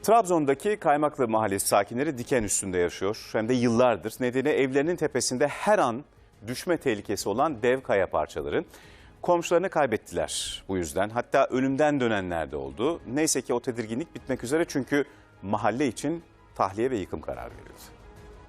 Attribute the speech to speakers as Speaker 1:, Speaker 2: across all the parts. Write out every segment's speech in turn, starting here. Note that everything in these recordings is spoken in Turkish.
Speaker 1: Trabzon'daki Kaymaklı Mahallesi sakinleri diken üstünde yaşıyor. Hem de yıllardır. Nedeni evlerinin tepesinde her an düşme tehlikesi olan dev kaya parçaları. Komşularını kaybettiler bu yüzden. Hatta ölümden dönenler de oldu. Neyse ki o tedirginlik bitmek üzere çünkü mahalle için tahliye ve yıkım kararı verildi.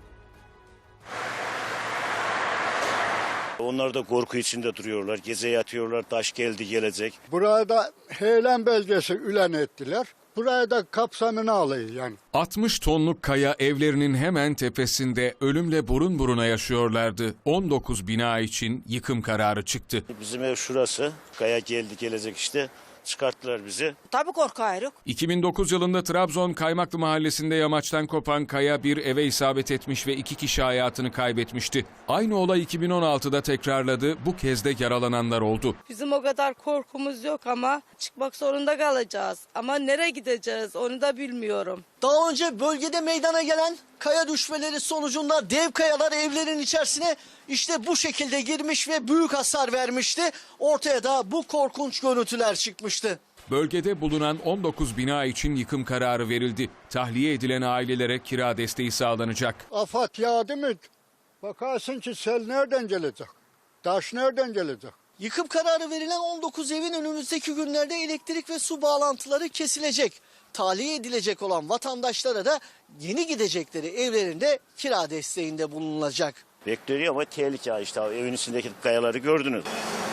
Speaker 2: Onlar da korku içinde duruyorlar. Gece yatıyorlar, taş geldi gelecek.
Speaker 3: Buraya da heylem belgesi ülen ettiler. Buraya da kapsamını alıyor yani.
Speaker 4: 60 tonluk kaya evlerinin hemen tepesinde ölümle burun buruna yaşıyorlardı. 19 bina için yıkım kararı çıktı.
Speaker 2: Bizim ev şurası. Kaya geldi gelecek işte. Çıkarttılar bizi.
Speaker 5: Tabii korkuyoruz.
Speaker 4: 2009 yılında Trabzon Kaymaklı Mahallesi'nde yamaçtan kopan kaya bir eve isabet etmiş ve 2 kişi hayatını kaybetmişti. Aynı olay 2016'da tekrarladı. Bu kez de yaralananlar oldu.
Speaker 5: Bizim o kadar korkumuz yok ama çıkmak zorunda kalacağız. Ama nereye gideceğiz onu da bilmiyorum.
Speaker 6: Daha önce bölgede meydana gelen kaya düşmeleri sonucunda dev kayalar evlerin içerisine işte bu şekilde girmiş ve büyük hasar vermişti. Ortaya da bu korkunç görüntüler çıkmıştı.
Speaker 4: Bölgede bulunan 19 bina için yıkım kararı verildi. Tahliye edilen ailelere kira desteği sağlanacak.
Speaker 3: Afat yağdı mı bakarsın ki sel nereden gelecek? Taş nereden gelecek?
Speaker 6: Yıkım kararı verilen 19 evin önümüzdeki günlerde elektrik ve su bağlantıları kesilecek. Tahliye edilecek olan vatandaşlara da yeni gidecekleri evlerinde kira desteğinde bulunulacak.
Speaker 2: Bekliyor ama tehlike işte. Evin içindeki kayaları gördünüz.